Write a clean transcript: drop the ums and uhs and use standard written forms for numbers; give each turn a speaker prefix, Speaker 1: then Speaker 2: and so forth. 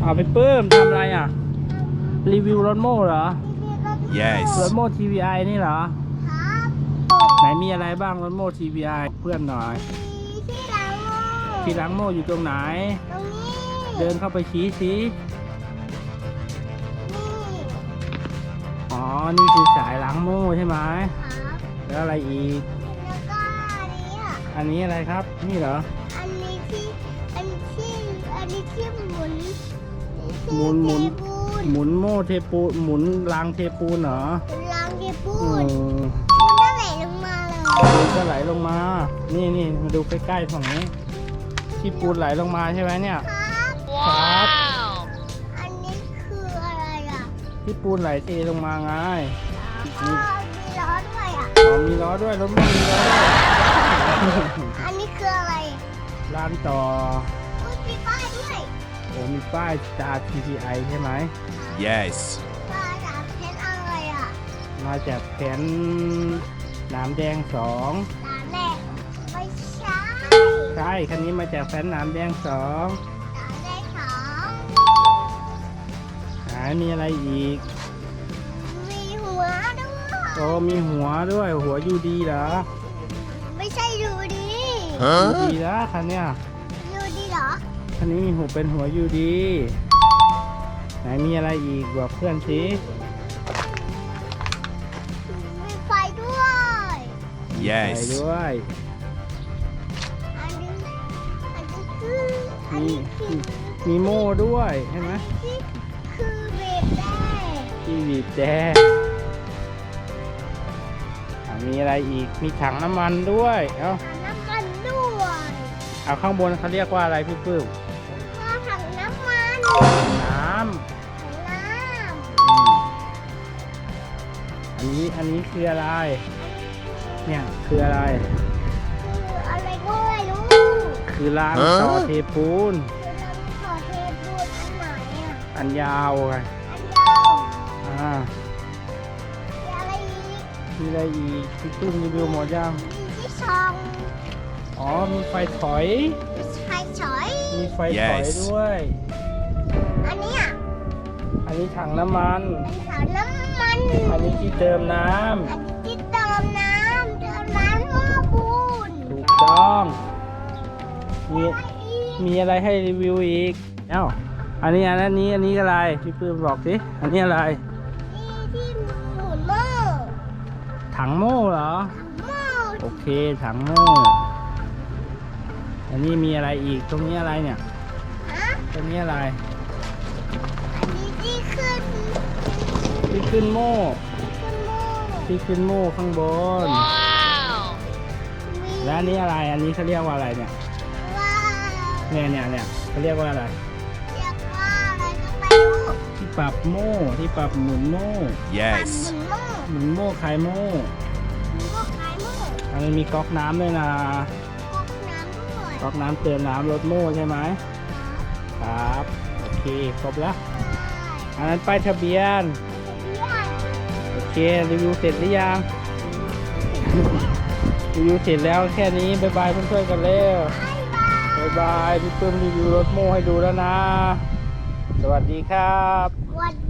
Speaker 1: เอาไปปื้มทำอะไรอ่ะรีวิวรถโม่เหรอ
Speaker 2: Yes
Speaker 1: รถโม่ TVI นี่เหรอ
Speaker 3: ครับ
Speaker 1: ไหนมีอะไรบ้างรถโม่ TVI เพื่อนหน่อย
Speaker 3: ที่ล้างโม่
Speaker 1: ที่ล้างโม่อยู่ตรงไหน
Speaker 3: ตรงนี้
Speaker 1: เดินเข้าไปชี้สิ
Speaker 3: นี่
Speaker 1: อ๋อนี่คือสายล้างโม่ใช่ไหม
Speaker 3: ครับ
Speaker 1: แล้วอะไรอีก
Speaker 3: แล้วก็อันนี้อ่ะ
Speaker 1: อันนี้อะไรครับนี่เหรอ
Speaker 3: อันนี้ที่อันที่หมุน
Speaker 1: หมุน
Speaker 3: เทปูน
Speaker 1: หมุนโม่เทปูนหมุนรางเทปูนเหรอ
Speaker 3: ล้างเทปู
Speaker 1: อื
Speaker 3: น
Speaker 1: ม
Speaker 3: มันก็ไหลลงมาเลย
Speaker 1: ปูนก็ไหลลงมา นี่มาดูใกล้ๆฝั่งนี้ ที่ปูนไหลลงมาใช่ไหมเนี่ย
Speaker 3: ครับ
Speaker 1: ครับ
Speaker 3: อันนี้คืออะไรอ่ะ
Speaker 1: ที่ปูนไหลเทลงมาไง
Speaker 3: ก็มีล้อด้วยอ่ะ
Speaker 1: อ๋อมีล้อด้วยรถมันมีล้อด้วย
Speaker 3: อันนี้คืออะไร
Speaker 1: ลานต่อ
Speaker 3: อุ้ยมีป้ายด้วย
Speaker 1: โอ้มีป้ายจา TPI ใช่ไหม
Speaker 2: Yes
Speaker 3: ป้ายถามเพชรอะไรอ่ะ
Speaker 1: มาจากแผนหนามแดง2
Speaker 3: ร้านแรกไม่ใช่
Speaker 1: ใช่คันนี้มาจากแผนหนามแดง2
Speaker 3: ร้านแรกของ
Speaker 1: มีอะไรอีก
Speaker 3: มีหัวด้วย
Speaker 1: โอ้มีหัวด้วยหัวยูดีเหรอ
Speaker 3: ไม่ใช่ดูดี
Speaker 1: ยู
Speaker 2: Huh
Speaker 1: ดีนะคันเนี้ย
Speaker 3: ดูดีเหรอ
Speaker 1: คันนี้มีหัวเป็นหัวยูดี ไหนมีอะไรอีกบอกเพื่อนสิ
Speaker 3: มีไฟด้วย
Speaker 1: ใส่
Speaker 2: Yes
Speaker 1: ด้วย
Speaker 3: อันนี้คืออัน
Speaker 1: มี
Speaker 3: นี้คือ
Speaker 1: มีโม่ด้วยใช่ไหม
Speaker 3: ที่คือเบรกได้
Speaker 1: ที่บีบแดงมีอะไรอีกมีถังน้ำมันด้วยเอา
Speaker 3: ถังน้ำมันด้วย
Speaker 1: เอาข้างบนเขาเรียกว่าอะไรพี่ปื้ม
Speaker 3: ก็ถังน้ำมัน
Speaker 1: น้
Speaker 3: ถังน้
Speaker 1: ำอันนี้คืออะไร เนี่ยคืออะไร
Speaker 3: ำคืออะไรก็ไม่รู้
Speaker 1: คือรางต่อเทปูน
Speaker 3: คือเราขอเทปูนอันไหนอ่ะ
Speaker 1: อันยาวไง
Speaker 3: อันยาว
Speaker 1: อ่า
Speaker 3: มีอะไรอีก
Speaker 1: มีอะไรอีกพี่ปื้มรีวิวหมดยัง
Speaker 3: มีที่ช่อง
Speaker 1: อ๋อมีไฟถอย
Speaker 3: มีไฟฉอย
Speaker 1: มีไฟถอย
Speaker 2: Yes
Speaker 1: ด้วย
Speaker 3: อันนี้อ่ะ
Speaker 1: อันนี้ถังน้ำมัน
Speaker 3: เป็นถังน้ำมัน
Speaker 1: อันนี้ที่เติมน้
Speaker 3: อันนี้ที่เติมน้ำหม้อปูน
Speaker 1: ำถูกต้อง มี
Speaker 3: อะไรอีก
Speaker 1: มีอะไรให้รีวิวอีก เอ้า อันนี้อะไรพี่ปื้มบอกสิ อันนี้อะไร
Speaker 3: นี่ที่หมุนหม้อ
Speaker 1: ถังโม่เหรอ
Speaker 3: หม้อ
Speaker 1: โอเค ถังโม่ อันนี้มีอะไรอีก ตรงนี้อะไรเนี่ย
Speaker 3: ฮะ
Speaker 1: ตรงนี้อะไร
Speaker 3: อันนี้ที่ขึ้น
Speaker 1: ที่ขึ้นโม่
Speaker 3: ขึ้นหม้อ
Speaker 1: ที่ขึ้นโม่ข้างบน
Speaker 3: มี
Speaker 1: และอันนี้อะไร อันนี้เขาเรียกว่าอะไรเนี่ย
Speaker 3: ว่า
Speaker 1: เนี่ยเขาเรียกว่าอะไร
Speaker 3: เรียกว่าอะไรก็ไม่รู้
Speaker 1: ที่ปรับโม่ ที่ปรับหมุนโม่
Speaker 2: Yes
Speaker 3: หมุนหม้อ
Speaker 1: หมุนโม่คลายโม่
Speaker 3: หมุนหม้อขายหม้อ
Speaker 1: อันนี้มีก๊อกน้ำด้วยนะ
Speaker 3: ก๊อกน้ำด้วย
Speaker 1: ก๊อกน้ำเติมน้ำรถโม่ใช่ไหม ครับ โอเค ครบแล้ว อันนั้นป้ายทะเบียน โอเค รีวิวเสร็จหรือยัง รีวิวเสร็จแล้วแค่นี้ บ๊ายบายเพื่อนๆกันเร็ว บ๊ายบาย พี่ปื้มรีวิวรถโม่ให้ดูแล้วนะ สวัสดีครับ
Speaker 3: สวัส